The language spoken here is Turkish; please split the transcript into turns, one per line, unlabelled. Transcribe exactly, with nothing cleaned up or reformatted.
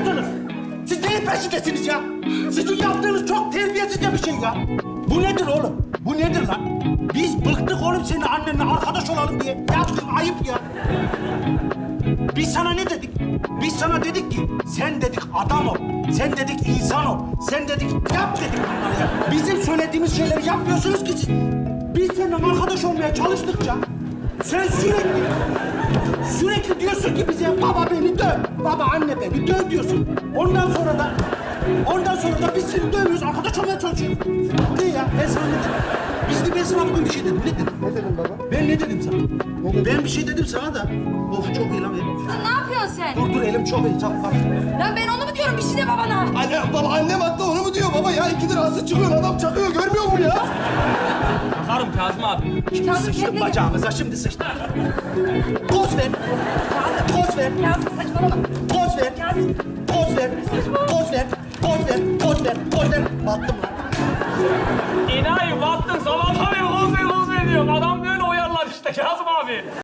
yaptınız? Siz neyin peşindesiniz ya? Sizin yaptığınız çok terbiyesizce bir şey ya. Bu nedir oğlum? Bu nedir lan? Biz bıktık oğlum senin annenle arkadaş olalım diye. Yaptığın ayıp ya. Biz sana ne dedik? Biz sana dedik ki sen dedik adam ol. Sen dedik insan ol. Sen dedik yap dedik bunları ya. Bizim söylediğimiz şeyleri yapmıyorsunuz ki siz. Biz seninle arkadaş olmaya çalıştıkça sen sürekli sürekli diyorsun ki bize baba beni döv. Baba anne beni döv diyorsun. Ondan sonra da ondan sonra da biz seni dövmüyoruz. Arkadaş olmaya çalışıyoruz. Bu ne ya? Ben sana ne dedim? Biz de ben sana bugün bir şey dedim. Ne dedim?
Ne dedin baba?
Ben ne dedim sana? Ben bir şey dedim sana da. Of çok iyi lan benim.
Sen ne yapıyorsun sen?
Dur dur elim çok iyi. Çabuk bak.
Lan ben onu mu diyorum? Bir şey de babana.
Anne, baba annem hatta onu mu diyor baba ya? İkidir asıl çıkıyor, adam çakıyor, görmüyor musun ya?
Bakarım Kazım abi.
Şimdi
Kazım,
sıçtım
kendine
bacağımıza, şimdi sıçtım. Poz ver. Poz ver.
Kazım saçmalama.
Poz ver.
Kazım.
Poz ver. Poz ver. Poz ver. Poz ver. Poz ver. Battım lan.
İnayi battın sabahtan beri koz ver koz ver diyorum. Adam böyle oyarlar işte Kazım abi.